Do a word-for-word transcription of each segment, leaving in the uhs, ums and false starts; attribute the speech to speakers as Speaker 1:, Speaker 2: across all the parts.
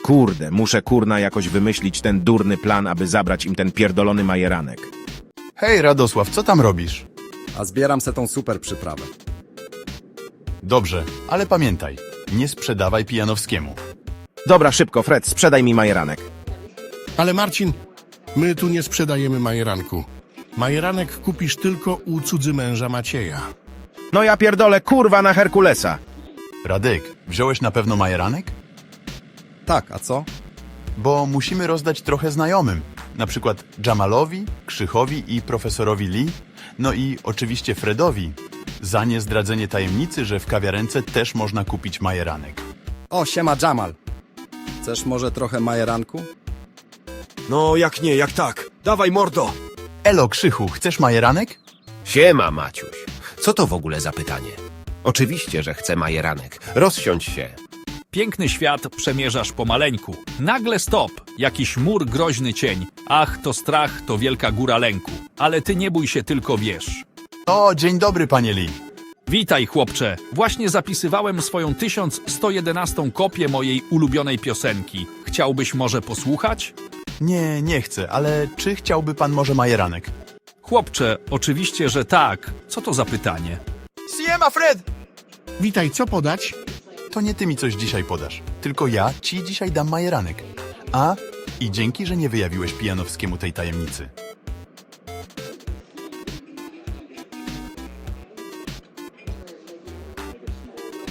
Speaker 1: Kurde, muszę kurna jakoś wymyślić ten durny plan, aby zabrać im ten pierdolony majeranek.
Speaker 2: Hej, Radosław, co tam robisz?
Speaker 3: A zbieram se tą super przyprawę.
Speaker 2: Dobrze, ale pamiętaj, nie sprzedawaj Pijanowskiemu.
Speaker 1: Dobra, szybko, Fred, sprzedaj mi majeranek.
Speaker 4: Ale Marcin, my tu nie sprzedajemy majeranku. Majeranek kupisz tylko u cudzymęża Macieja.
Speaker 1: No ja pierdolę, kurwa, na Herkulesa.
Speaker 2: Radek, wziąłeś na pewno majeranek?
Speaker 3: Tak, a co?
Speaker 2: Bo musimy rozdać trochę znajomym. Na przykład Jamalowi, Krzychowi i profesorowi Lee. No i oczywiście Fredowi. Za niezdradzenie tajemnicy, że w kawiarence też można kupić majeranek.
Speaker 3: O, siema Jamal. Chcesz może trochę majeranku?
Speaker 5: No, jak nie, jak tak. Dawaj, mordo!
Speaker 2: Elo, Krzychu, chcesz majeranek?
Speaker 6: Siema, Maciuś. Co to w ogóle za pytanie? Oczywiście, że chcę majeranek. Rozsiądź się.
Speaker 7: Piękny świat przemierzasz pomaleńku. Nagle stop, jakiś mur groźny cień. Ach, to strach, to wielka góra lęku. Ale ty nie bój się, tylko wiesz.
Speaker 2: O, dzień dobry, panie Lee.
Speaker 7: Witaj, chłopcze. Właśnie zapisywałem swoją tysiąc sto jedenastą kopię mojej ulubionej piosenki. Chciałbyś może posłuchać?
Speaker 2: Nie, nie chcę, ale czy chciałby pan może majeranek?
Speaker 7: Chłopcze, oczywiście, że tak. Co to za pytanie?
Speaker 2: Siema, Fred!
Speaker 4: Witaj, co podać?
Speaker 2: To nie ty mi coś dzisiaj podasz, tylko ja ci dzisiaj dam majeranek. A, i dzięki, że nie wyjawiłeś Pijanowskiemu tej tajemnicy.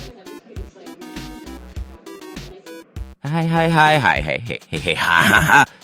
Speaker 6: Hej, hej, hej, hej, hej, hej, hej, ha, ha, ha.